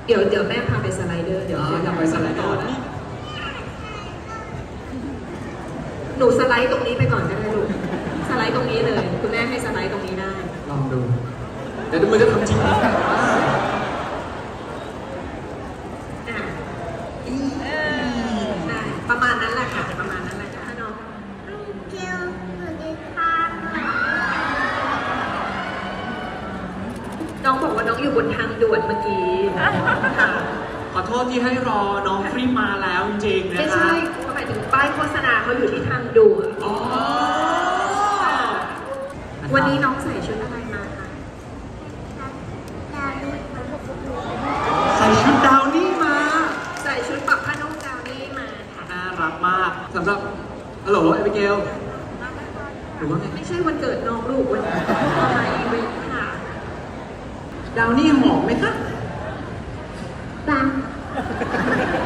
เดี๋ยวแม่พาไปสไลเดอร์เดี๋ยวอยากไปสไลเดอร์นะหนูสไลด์ตรงนี้ไปก่อนก็ได้ลูกสไลด์ตรงนี้เลยคุณแม่ให้สไลด์ตรงนี้ได้ลองดูเดี๋ยวมันจะทำจริงไหมอ่ะได้ประมาณนั้นแหละค่ะประมาณนั้นแหละค่ะน้องน้องบอกว่าน้องอยู่บนทางด่วนเมื่อกี้ค่ะขอโทษที่ให้รอน้องฟรีมาแล้วจริงๆนะไม่ครัใช่บเขาหมายถึงป้ายโฆษณาเขาอยู่ที่ทางด่วนอ๋อวันนี้น้องใส่ชุดอะไรมาคะใส่ชุดดาวนี่มาใส่ชุดปักผ้านุ่งดาวนี่มาค่ะน่ารักมากสำหรับฮัลโหลเอเบเกลหรือว่าไงไม่ใช่วันเกิดน้องลูกวันนี้อะไรเว้ยค่ะดาวนี่หอมไหมคะปัง